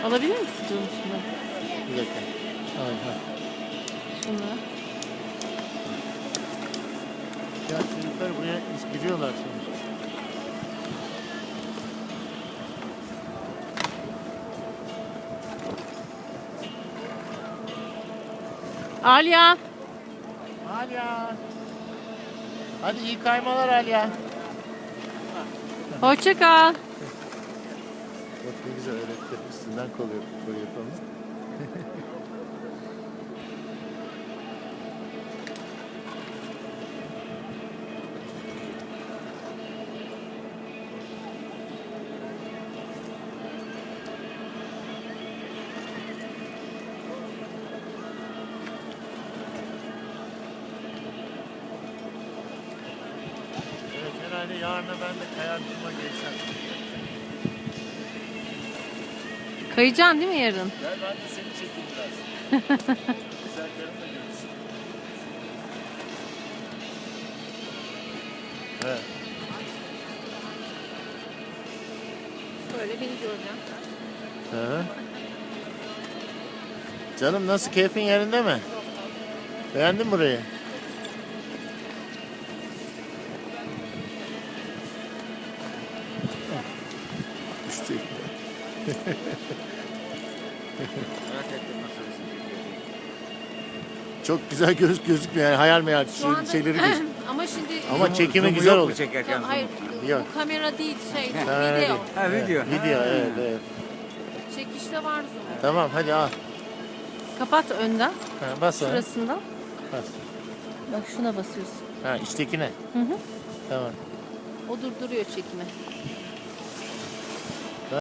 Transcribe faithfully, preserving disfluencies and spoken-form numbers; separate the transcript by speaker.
Speaker 1: Alabilir misin canım şunu?
Speaker 2: Bir dakika. Aha.
Speaker 1: Şunu.
Speaker 2: Ya çocuklar buraya giriyorlar şimdi.
Speaker 1: Alya.
Speaker 2: Alya. Hadi iyi kaymalar Alya.
Speaker 1: Hoşça kal.
Speaker 2: Bak ne güzel öğretti. Üstünden koyuyor, koyuyor onu. Evet, herhalde yarına ben de kayartıma geçsem.
Speaker 1: Kayacaksın değil mi yarın?
Speaker 2: Gel ben de seni çekeyim biraz. Güzellerim de görürsün. Evet.
Speaker 1: Böyle beni göreceğim.
Speaker 2: Hı hı. Canım nasıl, keyfin yerinde mi? Beğendin mi burayı? İşte. Çok güzel göz gözükmüyor yani, hayal meyal
Speaker 1: Şu anda
Speaker 2: şeyleri geç.
Speaker 1: ama şimdi
Speaker 2: Ama çekimi güzel oldu.
Speaker 3: Çekerken
Speaker 1: hayır
Speaker 2: Yok.
Speaker 1: bu kamera değil şey
Speaker 2: Kamera
Speaker 1: video.
Speaker 2: değil.
Speaker 3: Ha, video.
Speaker 2: Video, evet, evet.
Speaker 1: Çekişte var zoom.
Speaker 2: Tamam hadi al.
Speaker 1: Kapat önden.
Speaker 2: Ha, bas ona.
Speaker 1: Şurasından.
Speaker 2: Bas.
Speaker 1: Bak şuna basıyorsun.
Speaker 2: Ha, içtekine.
Speaker 1: Hı hı.
Speaker 2: Tamam.
Speaker 1: O durduruyor çekimi.